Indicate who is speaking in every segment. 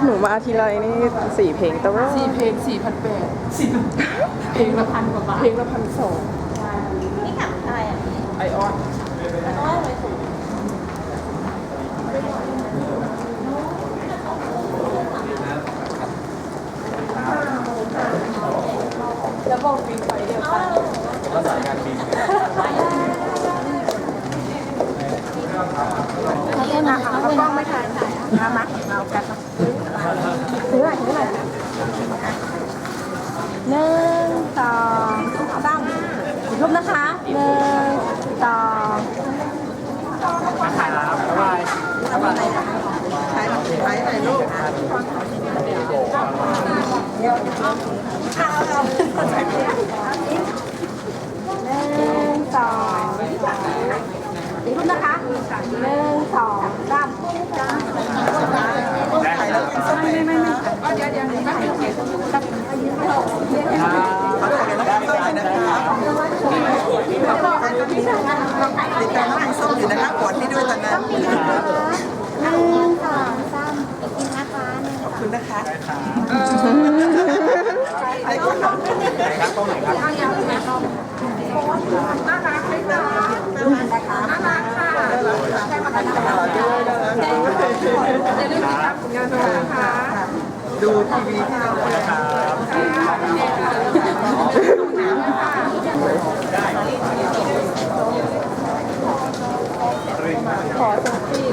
Speaker 1: หนูมาทีไรนี่4 เพลงแต่ว่า
Speaker 2: 4 เพลง 4,800เพลงละ1,000 กว่าบาทเพลงละ1,200
Speaker 3: นี่กับอะไรอ่ะ
Speaker 2: ไอออน
Speaker 3: น้อยเลยถูก
Speaker 2: แล้วบอกบินไปเดียวกัน
Speaker 4: ก็สายการบิน
Speaker 3: เขาเล่นนะคะเขากล้องไม่ถ่ายมาเอากันถือหน่อย1 2 3อีกรูปนะคะ1 2
Speaker 4: นะครับบ๊ายบายบ๊ายบาย
Speaker 2: ถ่ายไหนลูก
Speaker 3: อีกรูปนะคะ1 2 3
Speaker 5: ติดตามน้องส้มอยู่นะคะกดให้ด้วยตอนนั้น
Speaker 3: 1 2 3กินนะคะ
Speaker 5: ขอบคุณนะคะ
Speaker 4: ไหนครับตรงไหนครับ
Speaker 5: ดูทีวีที่เราเปิด
Speaker 1: ขอเซลฟี่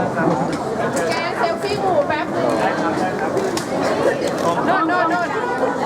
Speaker 2: แกเซลฟี่หมู่แป๊บนึงโน่น